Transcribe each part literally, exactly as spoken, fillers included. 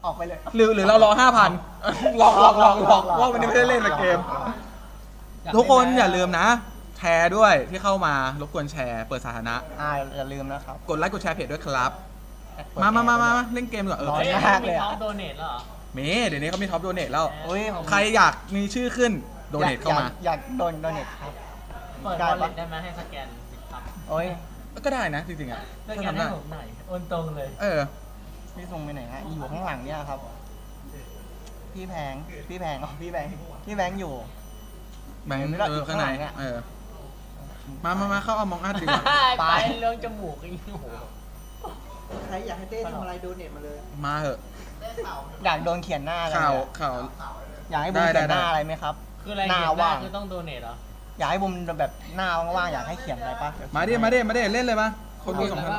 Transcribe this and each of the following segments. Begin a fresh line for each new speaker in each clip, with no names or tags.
ออกไปเลย
หรือหรือเรารอห้าพันลองลองลองลองว่าวันนี้ไม่ได้เล่นในเกม ทุกคนอย่าลืมนะ แชร์ด้วยที่เข้ามารบกวนแชร์เปิดสาธารณะ
อ่าอย่าลืมนะครับ
กดไลค์กดแชร์เพจด้วยครับ มามามามาเล่นเกมก่อนเออ
ร้อน
เฮ้ย
มากเลย
มี
อะ
ท็อปโดเนทแล้วเหรอ
เมเดี๋ยวนี้เขามีท็อปโดเนทแล้ว
โอ้ยผม
ใครอยากมีชื่อขึ้นโดเนทเข้ามา
อยกอยากโดนโดเนทครับ
เปิด
ได้
วอล
ปะ
เล็ตได้ไหมให้สแกนสิบครับ
โอ้ย
ก็ได้นะจริงๆอ่ะ
ส
ถ้า
แกน
ทำ
ให้
ได้
ผมหน่อยโอนตรงเลย
เออ
พี่ทรงไปไหนฮะอยู่ข้างหลังเนี่ยครับ พี่แพงพี่แพงอ๋อพี่แบงค์พี่แบงค์อยู่
แบงค์
ไม่ได้
เอ
อยู่
อข้างใน
ข้างหลังเนี่ย
เออมามามาเข้าเอามองอัดดีกว่า
ไปเรื่องจมูกอีกโอ้โห
ใครอยากให้เต้ทำอะไรโดเนทมาเลย
มาเหอะ
อยากโดนเขียนหน้าอะไร
ข่าว
เนี่ย
ข่าว
อยากให้บุม
ได้
เขียนหน้า
ได้
อะไรไหมครับ
คืออะไร
หน้า
เขียนได้
ว่าง
คือต้องโดเนทเหรอ
อยากให้บุมแบบหน้าว่างๆอยากให้เขียนอะไรปะ
มาดิมาดิมาดิเล่นเลยมาคนดูสองพัน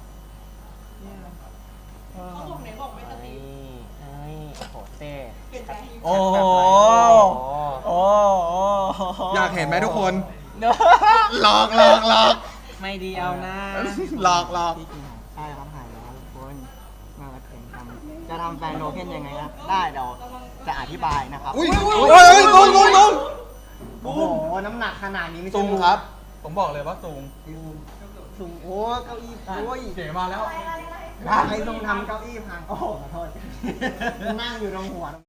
เออเอ้ยเอ้ยโอ้โหเต้
โอ้โห
โอ้โห
อยากเห็นไหมทุกคน
เนอะ
หลอกหลอกหลอก
ไม่ดีเอานะ
หลอกหลอก
พี่กินของใช่ครับหายแล้วทุกคนมาเห็นทำจะทำแฟนโนเคนยังไงนะได้เดี๋ยวจะอธิบายนะครับ
อุ้ยเฮ้ยลุงลุงลุง
โอ้โหน้ำหนักขนาดนี้ไม่ใช่
ซุงครับ ผมบอกเลยว่าซุง
สูงโอ้เก้าอี้โอ้ย
เสียมาแล้ว
ใครทรงทำเก้าอี้พังโอ้โหขอโทษนั่งอยู่ตรงหัว